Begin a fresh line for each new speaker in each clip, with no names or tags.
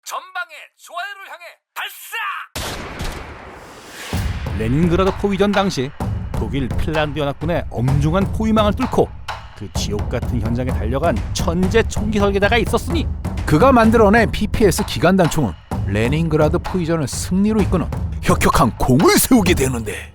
전방에 좋아요를 향해 발사! 레닌그라드 포위전 당시 독일 핀란드 연합군의 엄중한 포위망을 뚫고 그 지옥 같은 현장에 달려간 천재 총기 설계자가 있었으니
그가 만들어낸 PPS 기관단총은 레닌그라드 포위전을 승리로 이끄는 혁혁한 공을 세우게 되는데,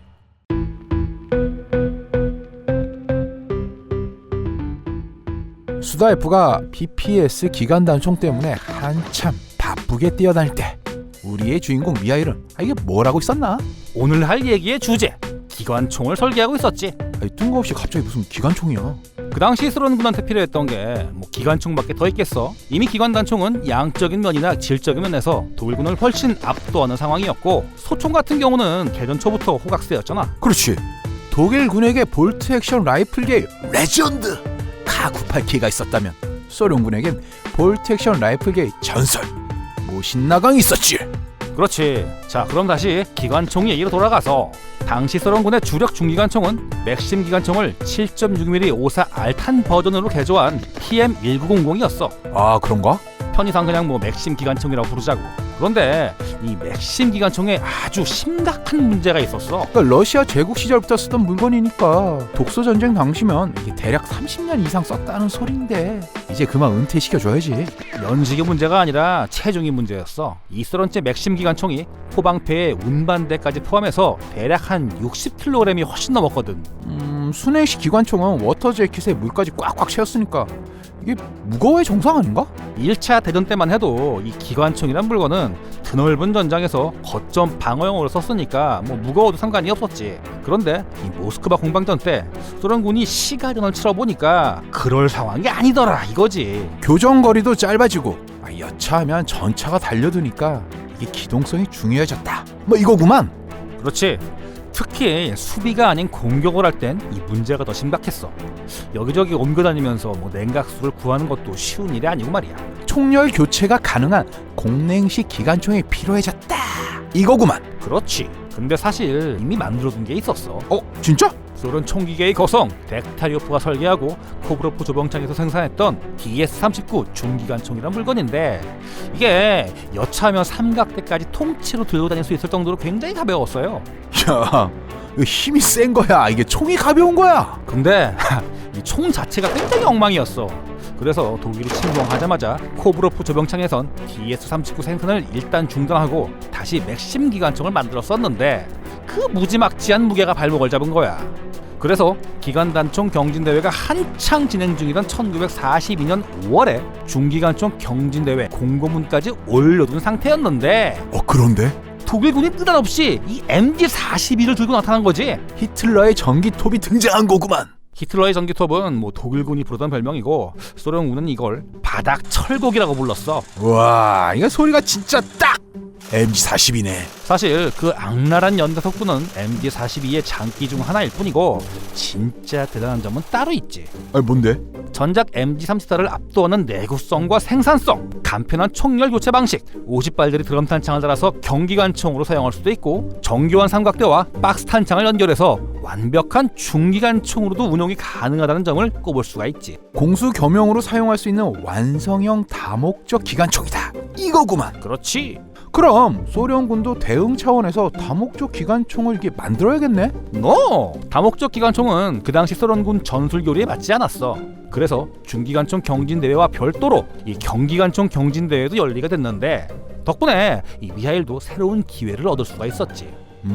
수다F가 PPS 기관단총 때문에 한참 바쁘게 뛰어다닐 때 우리의 주인공 미하일은 이게 뭘 하고 있었나?
오늘 할 얘기의 주제 기관총을 설계하고 있었지.
뜬금없이 갑자기 무슨 기관총이야.
그 당시 소련군한테 필요했던 게 기관총밖에 더 있겠어. 이미 기관단총은 양적인 면이나 질적인 면에서 독일군을 훨씬 압도하는 상황이었고, 소총 같은 경우는 개전 초부터 호각세였잖아.
그렇지. 독일군에게 볼트 액션 라이플계의 레전드 카98K가 있었다면 소련군에겐 볼트 액션 라이플계의 전설 모신나강이 있었지.
그렇지. 자, 그럼 다시 기관총 얘기로 돌아가서 당시 소련군의 주력 중기관총은 맥심 기관총을 7.6mm 54 알탄 버전으로 개조한 PM1900이었어.
아, 그런가?
편의상 그냥 맥심 기관총이라고 부르자고. 그런데 이 맥심 기관총에 아주 심각한 문제가 있었어.
그러니까 러시아 제국 시절부터 쓰던 물건이니까 독소 전쟁 당시면 이게 대략 30년 이상 썼다는 소린데 이제 그만 은퇴시켜줘야지.
연식의 문제가 아니라 체중이 문제였어. 이 소련제 맥심 기관총이 포방패에 운반대까지 포함해서 대략 한 60kg이 훨씬 넘었거든.
순행식 기관총은 워터 재킷에 물까지 꽉꽉 채웠으니까 이게 무거워야 정상 아닌가?
1차 대전 때만 해도 이 기관총이란 물건은 드넓은 전장에서 거점 방어용으로 썼으니까 무거워도 상관이 없었지. 그런데 이 모스크바 공방전 때 소련군이 시가전을 치러보니까 그럴 상황이 아니더라 이거지.
교전거리도 짧아지고 여차하면 전차가 달려드니까 이게 기동성이 중요해졌다 이거구만.
그렇지. 특히 수비가 아닌 공격을 할 땐 이 문제가 더 심각했어. 여기저기 옮겨다니면서 냉각수를 구하는 것도 쉬운 일이 아니고 말이야.
총열 교체가 가능한 공냉식 기관총이 필요해졌다 이거구만.
그렇지. 근데 사실 이미 만들어둔 게 있었어.
진짜?
소련 총기계의 거성 덱타리오프가 설계하고 코브로프 조병창에서 생산했던 DS-39 중기관총이란 물건인데, 이게 여차하면 삼각대까지 통째로 들고 다닐 수 있을 정도로 굉장히 가벼웠어요.
야, 이거 힘이 센 거야? 이게 총이 가벼운 거야?
근데 이 총 자체가 굉장히 엉망이었어. 그래서 독일이 침공하자마자 코브로프 조병창에선 DS-39 생산을 일단 중단하고 다시 맥심 기관총을 만들었었는데, 그 무지막지한 무게가 발목을 잡은 거야. 그래서 기관단총 경진대회가 한창 진행 중이던 1942년 5월에 중기관총 경진대회 공고문까지 올려둔 상태였는데,
그런데?
독일군이 느닷없이 이 MG42를 들고 나타난 거지.
히틀러의 전기톱이 등장한 거구만.
히틀러의 전기톱은 독일군이 부르던 별명이고, 소련군은 이걸 바닥 철곡이라고 불렀어.
와, 이거 소리가 진짜 딱 MG42네.
사실 그 악랄한 연대 속도는 MG42의 장기 중 하나일 뿐이고, 진짜 대단한 점은 따로 있지.
뭔데?
전작 MG34를 압도하는 내구성과 생산성, 간편한 총열 교체 방식, 50발들이 드럼 탄창을 달아서 경기관총으로 사용할 수도 있고, 정교한 삼각대와 박스 탄창을 연결해서 완벽한 중기관총으로도 운용이 가능하다는 점을 꼽을 수가 있지.
공수 겸용으로 사용할 수 있는 완성형 다목적 기관총이다 이거구만.
그렇지.
그럼 소련군도 대응 차원에서 다목적 기관총을 이렇게 만들어야겠네?
다목적 기관총은 그 당시 소련군 전술 교리에 맞지 않았어. 그래서 중기관총 경진대회와 별도로 이 경기관총 경진대회도 열리게 됐는데, 덕분에 이 미하일도 새로운 기회를 얻을 수가 있었지.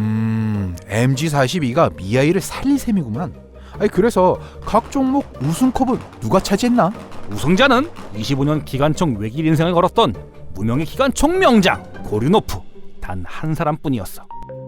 MG42가 미하일을 살릴 셈이구만. 그래서 각 종목 우승컵은 누가 차지했나?
우승자는 25년 기관총 외길 인생을 걸었던 무명의 기관총 명장 고류노프 단 한 사람뿐이었어.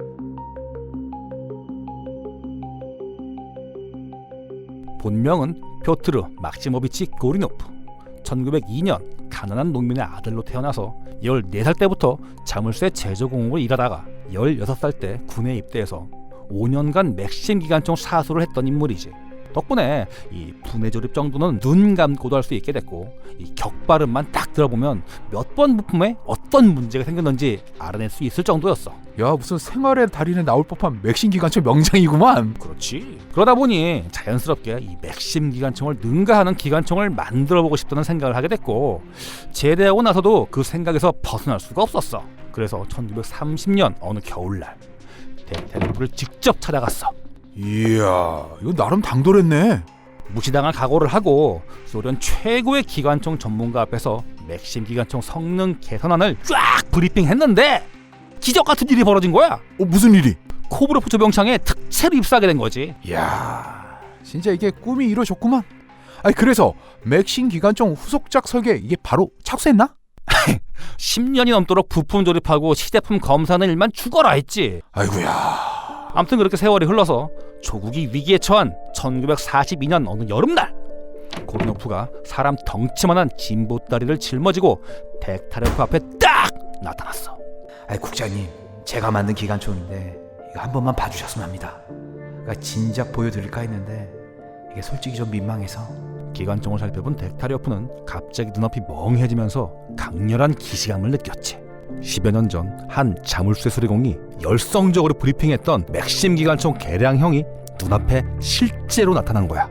본명은 표트르 막시모비치 고류노프. 1902년 가난한 농민의 아들로 태어나서 14살 때부터 자물쇠 제조공으로 일하다가 16살 때 군에 입대해서 5년간 맥심 기관총 사수를 했던 인물이지. 덕분에 이 분해 조립 정도는 눈 감고도 할 수 있게 됐고, 이 격발음만 딱 들어보면 몇 번 부품에 어떤 문제가 생겼는지 알아낼 수 있을 정도였어.
야, 무슨 생활의 달인에 나올 법한 맥심 기관총 명장이구만.
그렇지. 그러다 보니 자연스럽게 이 맥심 기관총을 능가하는 기관총을 만들어보고 싶다는 생각을 하게 됐고, 제대하고 나서도 그 생각에서 벗어날 수가 없었어. 그래서 1930년 어느 겨울날 덱타리오프를 직접 찾아갔어.
이야, 이거 나름 당돌했네.
무시당할 각오를 하고 소련 최고의 기관총 전문가 앞에서 맥심 기관총 성능 개선안을 쫙 브리핑했는데 기적 같은 일이 벌어진 거야.
무슨 일이?
코브로프 조병창에 특채로 입사하게 된 거지.
이야, 진짜 이게 꿈이 이루어졌구만. 아니, 그래서 맥심 기관총 후속작 설계 이게 바로 착수했나?
10년이 넘도록 부품 조립하고 시제품 검사하는 일만 죽어라 했지.
아이고야.
아무튼 그렇게 세월이 흘러서 조국이 위기에 처한 1942년 어느 여름날, 고르노프가 사람 덩치만한 진보다리를 짊어지고 덱타리오프 앞에 딱 나타났어.
아이, 국장님, 제가 만든 기관총인데 이거 한 번만 봐주셨으면 합니다. 그러니까 진작 보여드릴까 했는데 이게 솔직히 좀 민망해서.
기관총을 살펴본 덱타리오프는 갑자기 눈앞이 멍해지면서 강렬한 기시감을 느꼈지. 10여 년 전 한 자물쇠 수리공이 열성적으로 브리핑했던 맥심 기관총 개량형이 눈앞에 실제로 나타난 거야.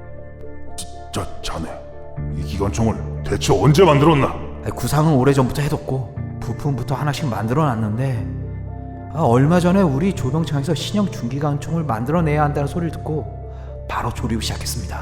자네, 이 기관총을 대체 언제 만들었나?
아이, 구상은 오래전부터 해뒀고 부품부터 하나씩 만들어놨는데 얼마 전에 우리 조병창에서 신형 중기관총을 만들어내야 한다는 소리를 듣고 바로 조립을 시작했습니다.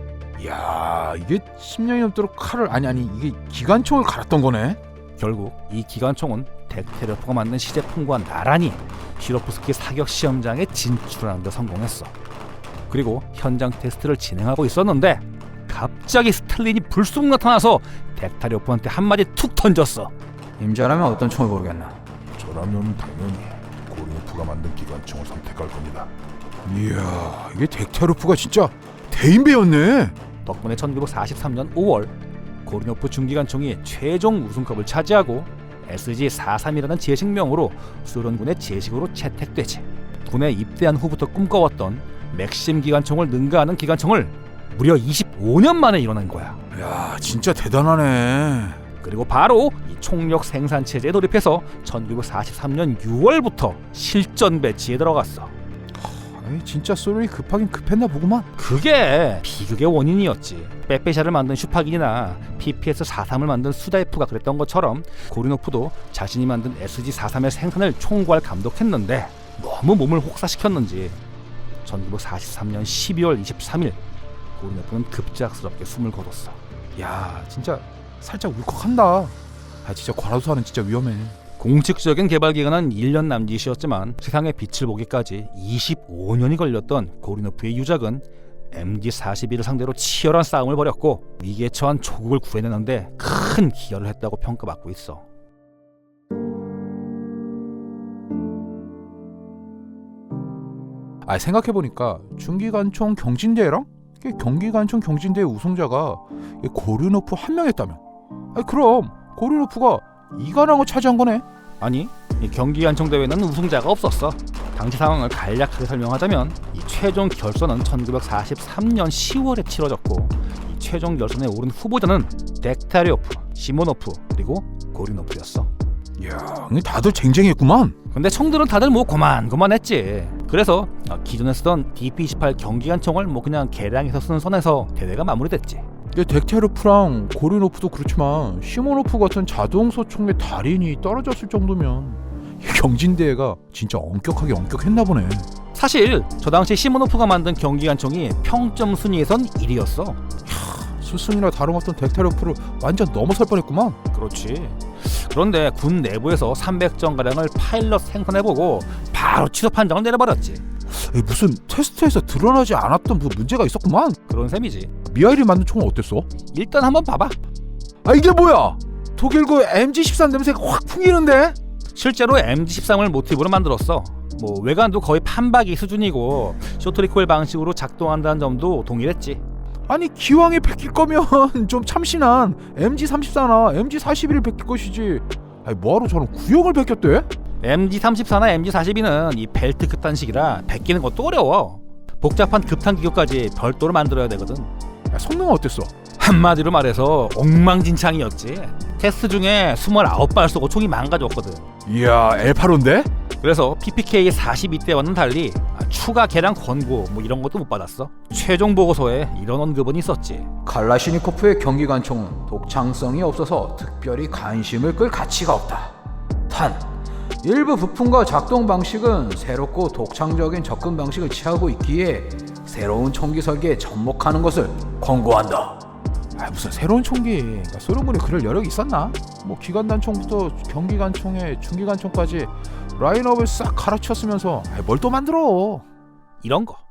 야, 이게 10년이 넘도록 칼을 아니 이게 기관총을 갈았던 거네.
결국 이 기관총은 덱타리오프가 만든 시제품과 나란히 시로프스키 사격 시험장에 진출하는 데 성공했어. 그리고 현장 테스트를 진행하고 있었는데 갑자기 스탈린이 불쑥 나타나서 덱타리오프한테 한마디 툭 던졌어.
임자라면 어떤 총을 고르겠나?
저라면 당연히 고르노프가 만든 기관총을 선택할 겁니다.
이야, 이게 덱타리오프가 진짜 대인배였네.
덕분에 1943년 5월 고르노프 중기관총이 최종 우승컵을 차지하고 SG-43이라는 제식명으로 소련군의 제식으로 채택되지. 군에 입대한 후부터 꿈꿔왔던 맥심 기관총을 능가하는 기관총을 무려 25년 만에 이뤄낸 거야.
야, 진짜 대단하네.
그리고 바로 이 총력 생산 체제에 돌입해서 1943년 6월부터 실전 배치에 들어갔어.
아니, 진짜 소련이 급하긴 급했나 보구만.
그게 비극의 원인이었지. 빼빼샤를 만든 슈파긴이나 PPS-43을 만든 수다이프가 그랬던 것처럼 고르노프도 자신이 만든 SG-43의 생산을 총괄 감독했는데 너무 몸을 혹사시켰는지 1943년 12월 23일 고르노프는 급작스럽게 숨을 거뒀어.
야, 진짜 살짝 울컥한다. 아, 진짜 과로사는 진짜 위험해.
공식적인 개발 기간은 1년 남짓이었지만 세상의 빛을 보기까지 25년이 걸렸던 고르노프의 유작은 MG-41을 상대로 치열한 싸움을 벌였고 위기에 처한 조국을 구해내는데 큰 기여를 했다고 평가받고 있어.
아, 생각해보니까 중기관총 경진대회랑 경기관총 경진대회 우승자가 고르노프 한 명이었다면, 아니, 그럼 고르노프가 이관왕을 차지한 거네.
아니, 이 경기관총 대회는 우승자가 없었어. 당시 상황을 간략하게 설명하자면 이 최종 결선은 1943년 10월에 치러졌고 이 최종 결선에 오른 후보자는 덱타리오프, 시모노프 그리고 고르노프였어.
이야, 다들 쟁쟁했구만.
근데 총들은 다들 뭐 고만고만했지. 그래서 기존에 쓰던 DP-28 경기관총을 뭐 그냥 개량해서 쓰는 선에서 대회가 마무리됐지.
덱타리오프랑 고르노프도 그렇지만 시모노프 같은 자동소총의 달인이 떨어졌을 정도면 이 경진대회가 진짜 엄격했나 보네.
사실 저 당시 시모노프가 만든 경기관총이 평점 순위에선 1위였어.
스승이나 다름없던 덱타리오프를 완전 넘어설 뻔했구만.
그렇지. 그런데 군 내부에서 300정가량을 파일럿 생산해보고 바로 취소 판정을 내려버렸지.
무슨 테스트에서 드러나지 않았던 뭐 문제가 있었구만.
그런 셈이지.
미하일이 만든 총은 어땠어?
일단 한번 봐봐.
아, 이게 뭐야? 독일고 MG-13 냄새가 확 풍기는데?
실제로 MG-13을 모티브로 만들었어. 뭐 외관도 거의 판박이 수준이고 쇼트리콜 방식으로 작동한다는 점도 동일했지.
아니, 기왕에 베낄 거면 좀 참신한 MG-34나 MG-41을 베낄 것이지. 아니, 뭐하러 저런 구형을 베꼈대?
MG-34나 MG-42는 이 벨트 극단식이라 베끼는 것도 어려워. 복잡한 급탄 기교까지 별도로 만들어야 되거든.
야, 성능은 어땠어?
한마디로 말해서 엉망진창이었지. 테스트 중에 29발 쏘고 총이 망가졌거든.
이야, L85인데?
그래서 PPK 42대와는 달리 추가 개량 권고 뭐 이런 것도 못 받았어. 최종 보고서에 이런 언급은 있었지.
칼라시니코프의 경기관총은 독창성이 없어서 특별히 관심을 끌 가치가 없다. 단, 일부 부품과 작동 방식은 새롭고 독창적인 접근 방식을 취하고 있기에 새로운 총기 설계에 접목하는 것을 권고한다.
아, 무슨 새로운 총기? 그러니까 소련군이 그럴 여력이 있었나? 뭐 기관단총부터 경기관총에 중기관총까지 라인업을 싹 갈아치웠으면서 뭘 또 만들어?
이런 거.